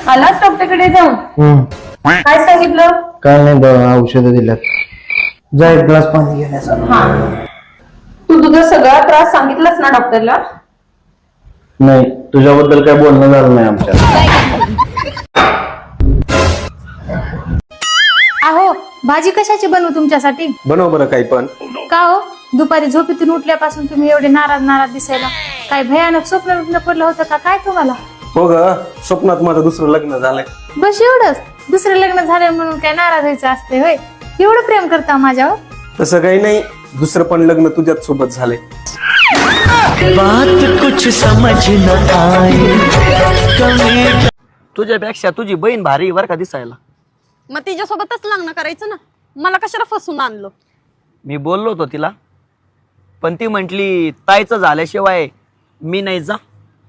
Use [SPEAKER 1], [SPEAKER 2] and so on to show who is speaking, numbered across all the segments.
[SPEAKER 1] आलाच डॉक्टरकडे जाऊन काय सांगितलं?
[SPEAKER 2] काय नाही, औषधं दिल्यात. जा एक ग्लास पाणी घेण्याचा.
[SPEAKER 1] हा, तू तुझा सगळा त्रास सांगितलास ना डॉक्टरला?
[SPEAKER 2] नाही, तुझ्याबद्दल काय बोलणं झालं नाही आमच्या.
[SPEAKER 3] अहो, भाजी कशाची बनवू तुमच्यासाठी?
[SPEAKER 4] बनव बरं काही पण.
[SPEAKER 3] का हो, दुपारी झोपेतून उठल्यापासून तुम्ही एवढे नाराज नाराज दिसायला? काय भयानक स्वप्न पडलं होतं का काय तुम्हाला?
[SPEAKER 4] हो ग, स्वप्नात माझं दुसरं लग्न झालंय.
[SPEAKER 3] बस एवढंच? दुसरं लग्न झालं म्हणून काय नाराज व्हायचं असते होय? एवढं प्रेम करता माझ्यावर?
[SPEAKER 4] तसं काही नाही, दुसरं पण लग्न तुझ्याच सोबत झालंय.
[SPEAKER 5] बात कुछ समझ न आए.
[SPEAKER 6] तुझ्यापेक्षा तुझी बहीण भारी वर का दिसायला.
[SPEAKER 7] मग तिच्यासोबतच लग्न करायचं ना, मला कशाला फसून आणलं?
[SPEAKER 6] मी बोललो होतो तिला, पण ती म्हंटली ताईचं झाल्याशिवाय मी नाही जा.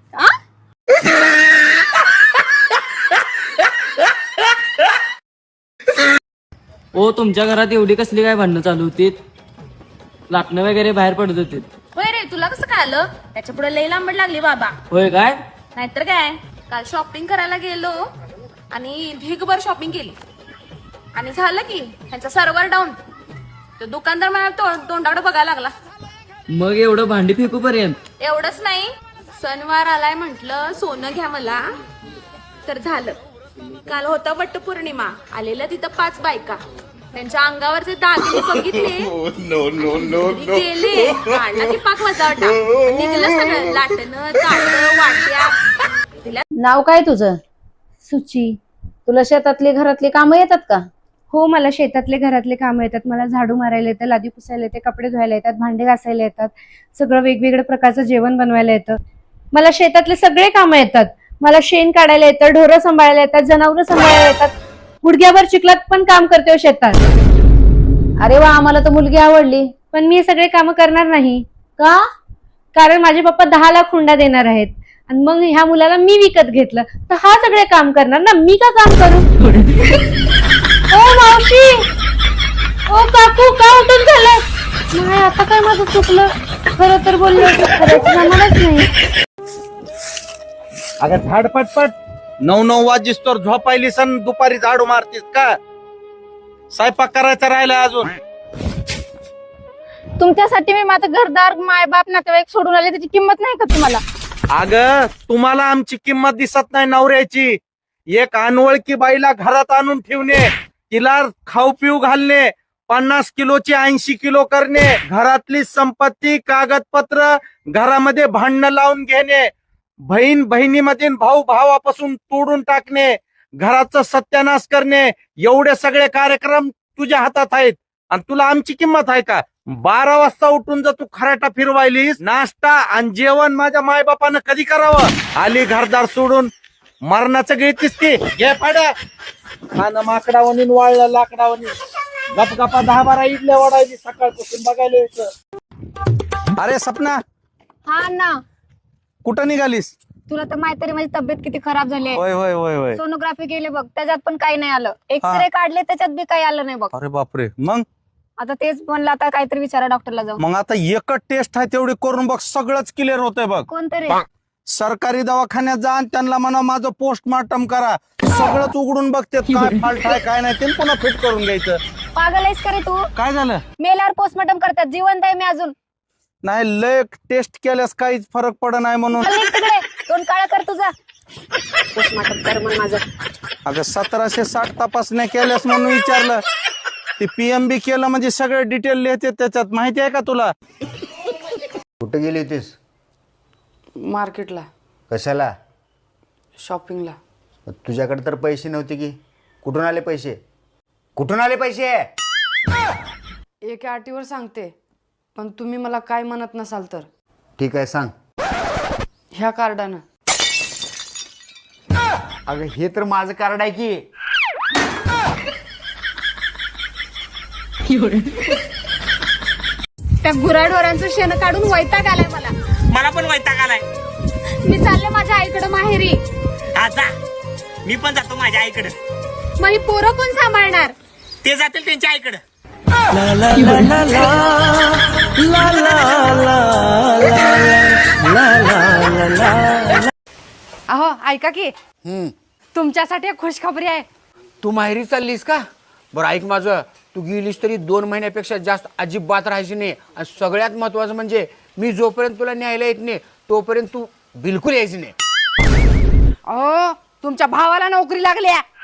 [SPEAKER 8] ओ, तुमच्या घरात एवढी कसली काय भांडणं चालू होती? लाटणं वगैरे बाहेर पडत होते.
[SPEAKER 9] होय रे, तुला कसं काय आलं? त्याच्या पुढे लई लांबड लागली बाबा.
[SPEAKER 8] होय काय?
[SPEAKER 9] नाहीतर काय, काल शॉपिंग करायला गेलो आणि ढीगभर शॉपिंग केली आणि झालं की ह्यांचा सर्व्हर डाऊन. तो दुकानदार मला तोंडाकडे बघायला लागला.
[SPEAKER 8] मग एवढं भांडी फेकू पर्यंत?
[SPEAKER 9] एवढंच नाही, सणवार आलाय म्हंटल सोनं घ्या मला, तर झालं. काल होता वटपौर्णिमा, आलेल्या तिथं 5 बायका. त्यांच्या अंगावरचे दागिने बघितले, गेले, काढला की पाक वजावटा, निघलं सगळं लाटणं ताटं वाट्या.
[SPEAKER 1] नाव काय तुझं?
[SPEAKER 3] सुची.
[SPEAKER 1] तुला शेतातली घरातली कामं येतात का?
[SPEAKER 3] हो, मला शेतातले घरातले काम येतात. मला झाडू मारायला येतं, लादी पुसायला येते, कपडे धुवायला येतात, भांडे घासायला येतात, सगळं वेगवेगळ्या प्रकारचं जेवण बनवायला येतं. मला शेतातले सगळे कामं येतात. मला शेण काढायला येतं, ढोरं सांभाळायला येतात, जनावरं सांभाळायला येतात. गुडघ्यावर चिखलात पण काम करते शेतात.
[SPEAKER 1] अरे वा, आम्हाला तर मुलगी आवडली.
[SPEAKER 3] पण मी हे सगळे कामं करणार नाही.
[SPEAKER 1] का?
[SPEAKER 3] कारण माझे पप्पा 10 लाख हुंडा देणार आहेत आणि मग ह्या मुलाला मी विकत घेतलं तर हा सगळे काम करणार ना, मी का काम करू? ओ मावशी, ओ काकू, का उठून झालं? नाही, आता काय माझं चुकलं? खरं तर बोलले, खरंच जमानच नाही.
[SPEAKER 2] अगं झाड पटपट 9 वाजिस्तोर झोपायली सण, दुपारी झाडू मारतीस का? स्वयंपाक करायचा राहिला अजून.
[SPEAKER 3] तुमच्यासाठी मी माझं घरदार, मायबाप, नातेवाईक सोडून आले, त्याची किंमत नाही का तुम्हाला?
[SPEAKER 2] अगं तुम्हाला आमची किंमत दिसत नाही नवऱ्याची. एक अनवळकी बाईला घरात आणून ठेवणे, तिला खाऊ पिऊ घालणे, 50 किलोची 80 किलो करणे, घरातली संपत्ती कागदपत्र घरामध्ये भांडणं लावून घेणे, बहीण बहिणीमध्ये भाऊ भावापासून तोडून टाकणे, घराचं सत्यानाश करणे, एवढे सगळे कार्यक्रम तुझ्या हातात आहेत आणि तुला आमची किंमत आहे का? 12 वाजता उठून जर तू खराटा फिरवायलीस, नाश्ता आणि जेवण माझ्या मायबापानं कधी करावं? आली घरदार सोडून मरणाचं गिळतीस की? घे पाड्या खाणं माकडावणी वाळलं लाकडावणी. गपगपा 10-12 इडल्या वाढायची सकाळपासून बघायला यायचं. अरे सपना,
[SPEAKER 3] हा ना.
[SPEAKER 2] कुठं निघालीस?
[SPEAKER 3] तुला तर माहिती आहे माझी तब्येत किती खराब झाली.
[SPEAKER 2] होय होय होय होय.
[SPEAKER 3] सोनोग्राफी केली बघ, त्याच्यात पण काही नाही आलं. एक्सरे काढले, त्याच्यात बी काही आलं नाही बघ.
[SPEAKER 2] अरे बापरे. मग
[SPEAKER 3] आता तेच म्हणलं, आता काहीतरी विचारा डॉक्टरला जाऊ.
[SPEAKER 2] मग आता एकच टेस्ट आहे तेवढी करून बघ, सगळंच क्लिअर होतंय बघ.
[SPEAKER 3] कोणतरी
[SPEAKER 2] सरकारी दवाखान्यात जा आणि त्यांना म्हणा माझं पोस्टमार्टम करा, सगळंच उघडून बघते काय फॉल्ट आहे काय नाही ते पुन्हा फिट करून घ्यायचं.
[SPEAKER 3] पागल आहेस का रे तू?
[SPEAKER 2] काय झालं?
[SPEAKER 3] मेल्यावर पोस्टमार्टम करतात, जिवंत आहे मी अजून.
[SPEAKER 2] नाही, लय टेस्ट केल्यास काहीच फरक पड नाही म्हणून.
[SPEAKER 3] दोन काळा कर तुझा पोस्टमार्टम कर मग माझं.
[SPEAKER 2] अगं 1760 तपासण्या केल्यास म्हणून विचारलं. ते पीएमबी केलं म्हणजे सगळे डिटेल लिहिते त्याच्यात, माहिती आहे का तुला?
[SPEAKER 10] कुठे गेली होतीस?
[SPEAKER 11] मार्केटला.
[SPEAKER 10] कशाला?
[SPEAKER 11] शॉपिंगला.
[SPEAKER 10] तुझ्याकडे तर पैसे नव्हते की? कुठून आले पैसे? कुठून आले पैसे?
[SPEAKER 11] एका अटीवर सांगते, पण तुम्ही मला काय म्हणत नसाल तर.
[SPEAKER 10] ठीक आहे, सांग.
[SPEAKER 11] ह्या कार्डानं.
[SPEAKER 10] अगं हे तर माझं कार्ड आहे की.
[SPEAKER 3] त्या गुराढोरांचं शेण काढून वैताग आलाय मला.
[SPEAKER 6] मला पण वैताग आलाय.
[SPEAKER 3] मी चालले माझ्या आईकडे माहेरी.
[SPEAKER 6] जा, मी पण जातो माझ्या आईकडे.
[SPEAKER 3] मग ही पोरं कोण सांभाळणार?
[SPEAKER 6] ते जातील त्यांच्या आईकडे.
[SPEAKER 11] अहो ऐका की, तुमच्यासाठी एक खुशखबरी आहे.
[SPEAKER 5] तू माहेरी चाललीस का? बरं ऐक माझं, तू गेलीस तरी 2 महिन्यापेक्षा जास्त अजिबात राहायची नाही. आणि सगळ्यात महत्वाचं म्हणजे मी जोपर्यंत तुला न्यायला येत नाही तोपर्यंत तू बिलकुल यायची नाही.
[SPEAKER 11] अहो तुमच्या भावाला नोकरी लागली आहे.